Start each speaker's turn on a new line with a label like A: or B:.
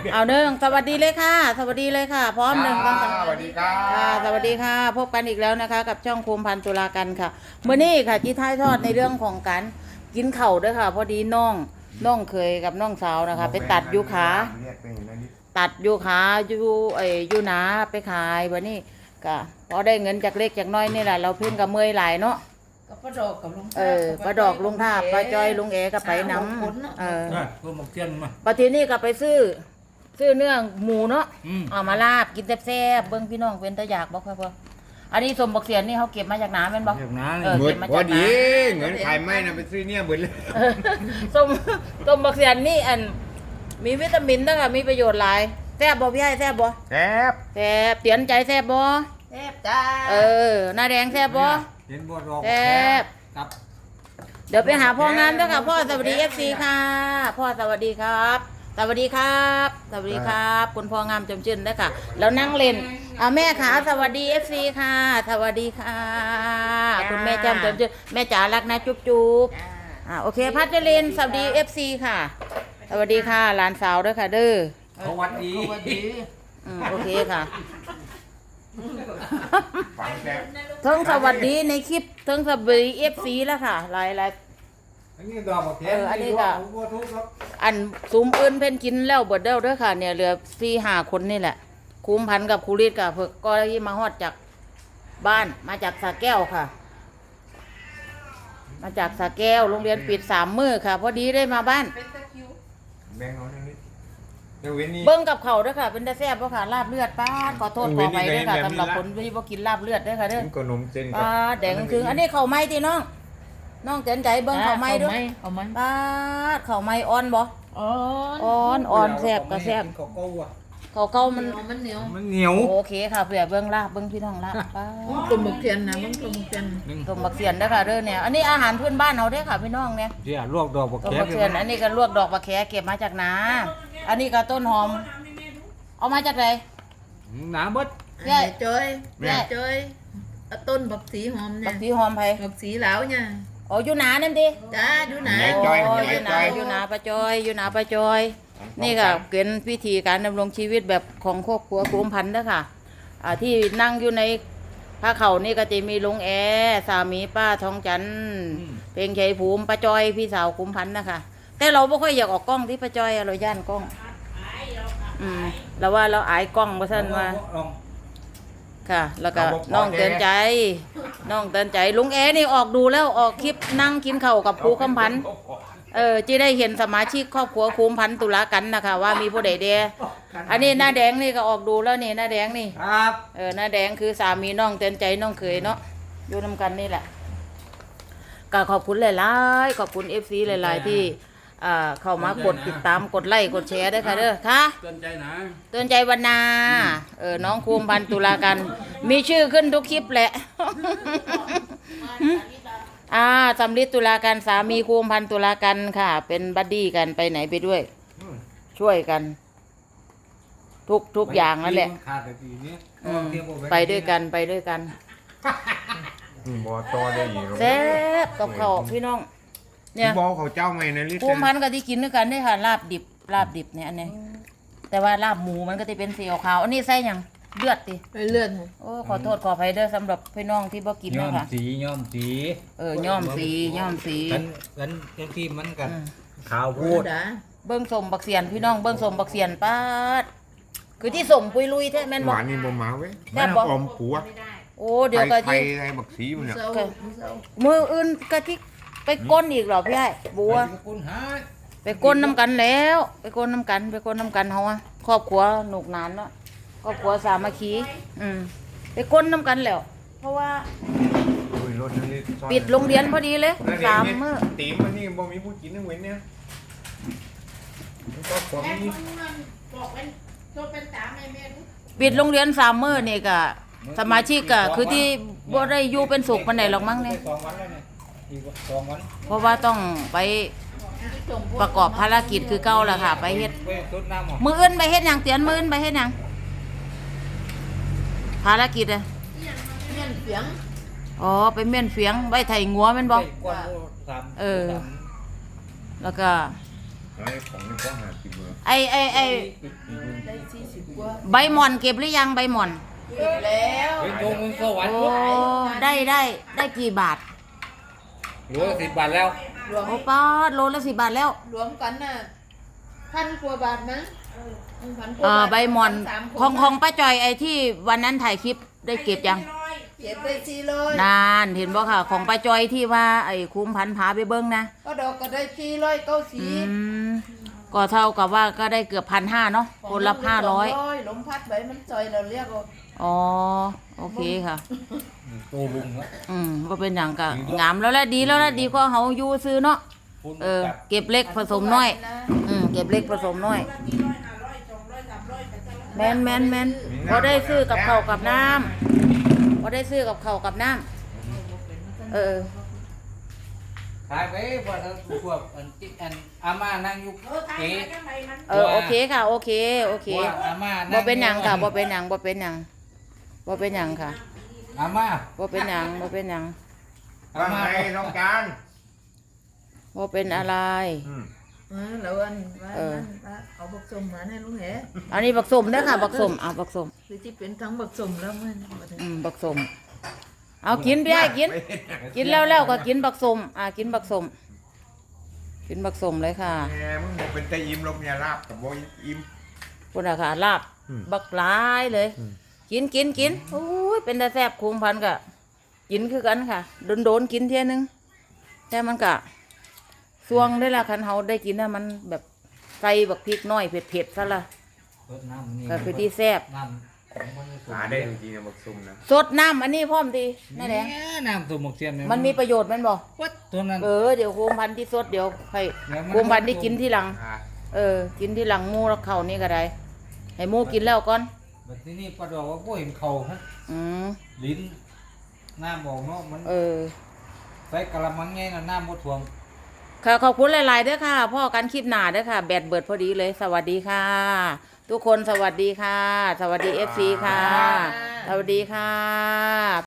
A: เอาเด้อสวัสดีเลยค่ะ สวัสดีเลยค่ะ พร้อมหนึ่งสองสาม
B: สวัสดีครับ
A: ค่ะสวัสดีค่ะ พบกันอีกแล้วนะคะ กับช่องภูมิพันธ์ตุลากันค่ะเมื่อนี้ค่ะที่ท้ายทอดในเรื่องของการกินเข่าวด้วยค่ะ พอดีน้องเคยกับน้องสาวนะคะ ไปตัดยูขาตัดยูขายูหนาไปขายวันนี้ก็พอได้เงินจากเล็กจากน้อยนี่แหละเราเพิ่งกับเมื่อยหลายเนาะ
C: ก็ปลาดอกกับลุง
A: ปลาดอกลุงท่าปลาจอยลุงเอก็ไปน้ำ
D: ตัวหมกเทียนมา
A: ปทีนี้ก็ไปซื้อเนื้อหมูเนาะ
D: อืม
A: เอามาลาบกินแซ่บๆเบิ้งพี่น้องเป็นตะอยากบอกพ่ออันนี้สมบักเสียนนี่เขาเก็บมาจากน้ำเป็นบอก
D: อย่างนั้น
A: เออ
B: หมดพอดีเงินขายไม่นะไปซื้อเนี่ยเบิดเลย
A: สมบักเสียนนี่อันมีวิตามินด้วยค่ะมีประโยชน์หลายแซ่บบ่พี่ไอ้แซ่บบ่
B: แซ่บ
A: แซ่บเตียนใจแซ่บบ่
C: แซ่บจ้า
A: หน้าแดงแซ่บบ่
D: เห็นบัวดอก
A: แซ่บ
D: ครับ
A: เดี๋ยวไปหาพ่องานด้วยค่ะพ่อสวัสดีFCค่ะพ่อสวัสดีครับ สวัสดีครับ สวัสดีครับ คุณพ่องามจมชื่นด้วยค่ะ แล้วนั่งเล่นแม่ขาสวัสดี FC ค่ะ สวัสดีค่ะ คุณแม่จำจมชื่นแม่จ๋ารักนะจุ๊บจุ๊บโอเคพัชรินสวัสดี FC ค่ะ สวัสดีค่ะหลานสาวด้วยค่ะเด้อ
D: สวัสดี
C: สวัสดี
A: โอเคค่ะ
B: ฝังแซ่บ
A: เทิงสวัสดีในคลิปเทิงสวัสดี FC แล้วค่ะหลาย
D: อันนี้ดอกหมกเทียน
A: อันนี้ก็
D: บัวทุกครับ
A: อันซุ้มอื่นเพิ่นกินแล้วเบิดเด้อเด้อค่ะเนี่ยเหลือ4-5 คนนี่แหละคุมพันกับครูฤทธิ์กับเพิ่นก็ที่มาฮอดจากบ้านมาจากสระแก้วค่ะ มาจากสระแก้วโรงเรียนปิด3 มื้อค่ะ พอดีได้มาบ้าน
C: เป็นตะคิว
B: แบ่งเอาหนิดเดี๋ยวเว้นนี่
A: เบิ่งกับเขาวเด้อค่ะเป็นตาแซ่บบ่ค่ะลาบเลือดป้าดขอโทษขอไปเด้อค่ะ
B: แบบนี้
A: สำหรับ
B: ละ
A: คนที่บ่กินลาบเลือดเด้อค่ะเด้อ
B: กินขนมเส้น
A: ป้าดแดงถึงอันนี้ข้าวไหม้ติน้องเตือนใจเบิ่งข้าวไหม้ด้วย
C: เอาไหม
A: ป้าดข้าวไหม้อ่อนบ่
C: อ๋อ
A: อ่อนแซ่บก็แซ่บ
D: เขาเก้าอ่ะ
A: ข้าวเก่ามัน
C: มันเหนียว
D: มันเหนียว
A: โอเคค่ะเผื่อเบิ่งลาบเบิ่งพี่น้องลาบป้าด
C: ตุ่มหมกเทียนนะมันตุ่มหมกเทียน
D: หนึ่ง
A: ต้มบักเสียนเด้อค่ะเด้อเนี่ยอันนี้อาหารพื้นบ้านเฮาเด้อค่ะพี่น้องเนี่ย
D: เดี๋ยวลวกดอกหมก
A: ต้ม
D: เทียน
A: บักเสียนอันนี้ก็ลวกดอกบักแขเก็บมาจากนาอันนี้ก็ต้นหอม เอามาจากไหน
D: หนาเบิด
A: ใหญ่
C: จอยแม่จอยต้นบักสีหอม
A: บั
C: เนี่ย
A: กสีหอมไผ
C: บักสีเหลาเนี่ย
A: อ๋ออยู่นานั่นติ
C: จ้าดูไหน
A: โอ้อยู่นาปลาจอยอยู่นาปลาจอย นี่ค่ะเป็นวิธีการดำรงชีวิตแบบของครอบครัวภูมิพันธ์เด้อค่ะที่นั่งอยู่ในพระเขานี่ก็จะมีลุงแอสามีป้าทองจันทร์เพลงชัยภูมิป้าจอยพี่สาวภูมิพันธ์นะคะแต่เราไม่ค่อยอยากออกกล้องที่ป้าจอยเราย่านกล้องเราว่าเราอายกล้องเพราะฉะนั้นว่า
D: ลอง
A: ค่ะ แล้วก็น้องเตือนใจลุงแอนี่ออกดูแล้วออกคลิปนั่งกินข้าวกับครูคำพันธ์จะได้เห็นสมาชิกครอบครัวภูมิพันธ์ตุลากันนะคะว่ามีผู้ใดเดียอันนี้หน้าแดงนี่ก็ออกดูแล้วนี่หน้าแดงนี่
D: ครับ
A: หน้าแดงคือสามีน้องเตือนใจน้องเคยเนาะอยู่นำกันนี่แหละก็ขอบคุณหลายๆขอบคุณ FC หลายๆที่เข้ามากดติดตามกดไลค์กดแชร์ด้วยค่ะเด้อค่ะ
D: เตือนใจนะ
A: เตือนใจวันนาน้องภูมิพันธ์ตุลากันมีชื่อขึ้นทุกคลิปแหละสำลิดตุลากันสามีภูมิพันธ์ตุลากันค่ะ เป็นบัดดี้กันไปไหนไปด้วย ช่วยกัน ทุกอย่างนั่นแหละ
D: ขาดแต่ทีนี้
A: ไปด้วยกันไปด้วยกัน
B: บ่ต่อได้อีก
A: แซ่บกับข้าวพี่น้อง เนี่ย
B: บ่เขาเจ้าใหม่นะลิ
A: ภูมิพันธ์ก็ที่กินด้วยกันได้ค่ะลาบดิบเนี่ยอันนี้แต่ว่าลาบหมูมันก็จะเป็นสีขาวอันนี้ใส่หยังเลือดติ
C: ไปเลื่อน
A: โอ้ขอโทษขออภัยเด้อสำหรับพี่น้องที่บ่กิน
D: ย้อ
A: นะ
D: ม
A: คะ
D: สีย้อมสี
A: ย่อมสี
D: กันที่มันกันขาว
C: พู
D: พู
C: ด
D: ด
C: นะ
A: เบิ้งสมบักเสียนพี่น้องเบิ้งสมบักเสียนป้าดคือที่สมปุยลุยแท้แม่น
B: ห
A: บ่
B: วานนี่บ่มาเว้ย
A: แซ่บบ่
B: ออมผัว
A: โอ้เดี๋ยวก็
B: ไท
A: ที่
B: ยไทยบักสีมันเนี่ย
C: เศร้าเศร้า
A: มืออื่นก็ที่ไปก้นอีกเหรอพี่ไอ้บัว
D: คุณหา
A: ไปก้นน้ำกันแล้วไปก้นน้ำกันเฮาอะครอบครัวหนุกหนานเนาะครอบครัวสามัคคีไปก้นน้ำกันแล้ว เพราะว่า
B: อุ้ยรถนั่นนี่ซ่อน
A: ปิดโรงเรียนพอดีเลย
B: นั่นเอง
A: 3 มื้อ
B: ตีมมันนี่บ่มีผู้กินทั้งเว้นเนี่ยมันก็ความนี้
A: ปิดโรงเรียน3 มื้อนี่ก็สมาชิกก็คือที่บ่ได้อยู่เป็นสุขปานใดหรอกมั้งเนี่ย
D: 2 วันแล้วเนี่ยอีก2 วัน
A: เพราะว่าต้องไปประกอบภารกิจคือเก่าล่ะค่ะ ไปเฮ็ด
D: ไปต้นน้ำหรอ
A: มื้ออื่นไปเฮ็ดหยังเตียนมื้ออื่นไปเฮ็ดหยังภารกิจอะ
C: เมี่ยนเสียง
A: อ๋อไปเม่นเฟียงไว้ไถงัวแม่นบ่
D: ก้อนสาม
A: แล้วก็
B: ไอ้ของนี่ก็50เบอร์
A: ไอ
C: ได้40กว่า
A: ใบหม่อนเก็บหรือยังใบหม่อน
C: เก็บแล้ว
D: เฮ้ยตรงมันสวรร
A: โอ้
D: ค์
A: ได้กี่บาท
D: หรือว่า10 บาทแล้ว
C: รวม
A: โอ้ป้าดโลละ10 บาทแล้ว
C: รวมกันน่ะ1,000 กว่าบาทมั้ง1,000 กว่าบาท
A: ใบหม่อน
C: สามคน
A: ของป้าจอยไอที่วันนั้นถ่ายคลิปได้เก็บยัง
C: เก็บได้400
A: นานเห็นบ่ค่ะ ของป้าจอยที่ว่าไอ้คุ้มพันพาไปเบิ้งนะ
C: ก็ดอกก็ได้
A: อื
C: 490
A: มก็เท่ากับว่าก็ได้เกือบ1,500เนาะคนละ500
C: ลมพัดใบมันจอยเราเรียกว่า
A: อ๋อโอเคค่ะ
D: ตัวลุงแล้ว
A: ก็เป็นอย่างกะงามแล้วแหละดีแล้วแหละดีกว่าเฮาอยู่ซื้อเนาะ
D: คุณ
A: เก็บเล็กผสมน้อย เก็บเล็กผสมน้อยแมนพอได้ซื้อกับข้าวกับน้ำพอได้ซื้อกับข้าวกับน้ำ
D: ขายไปพอแล้วพวกอันอาม่านั่งอยู่เก๋
A: โอเคค่ะโอเค
D: ว่าอาม่า
A: บ่
D: นั่ง
A: เป็นหยังค่ะบ่เป็นหยังค่ะ
D: อาม่า
A: บ่เป็นหยัง
D: อา
B: ว่า
D: ม่า
B: ไงน้องการ
A: บ่เป็นอะไร
C: แล้วอันว่าเอาบักสมมาให้ลุงแห
A: อันนี้บักสมเด้อค่ะบักสมบักสม
C: หรือที่เป็นทั้งบักสมแล้วมัน
A: บักสมเอากินพี่ไอ้กินแล้วก็กินบักสมกินบักสมเลยค่ะ
B: แหมมึงบอกเป็นแต่อิ่มลมเนี่ยลาบกับบ่อิ่ม
A: พุ่นน่ะค่ะลาบบักหลายเลย กินโอ้ยเป็นตาแซ่บคุ้มพันกะกินคือกันค่ะโดนกินเที่ยนึงแต่มันกะสวงได้ละคันเฮาได้กินน่ะมันแบบใส่บักพริกน้อยเผ็ดๆซะละ
D: รดน้ำนี่
A: ก็คือที่แซ่บ
D: น้ำของมันสูง
B: หาได้จริงๆนะบักซุ่มนะ
A: สดน้ำอันนี้พร้อมดีนั่นแหละ
D: น้ำตัวหมกเทียนเย
A: มันมีประโยชน์แมันบ่
D: ตัวนั้น
A: เดี๋ยวคุ้มพันที่สดเดี๋ยวให้คุ้มพันที่กินที่หลัง กินที่หลังหมูแล้วเข้านี่ก็ได้ให้หมูกินแล้วก่อน
D: แบบที่นี่ปลาดอกว่าก็เห็นเข่าฮะ
A: อืม
D: ลิ้นน้ำบอกเนาะมัน
A: ใ
D: ใส่กะละมังไงน่ะน้ำบ่ท่วม
A: ค่ะขอบคุณหลายๆเด้อค่ะพ่อกันคลิปหน้าเด้อค่ะ แบตเบิดพอดีเลย สวัสดีค่ะ ทุกคนสวัสดีค่ะ สวัสดี FC ค่ะ สวัสดีค่ะ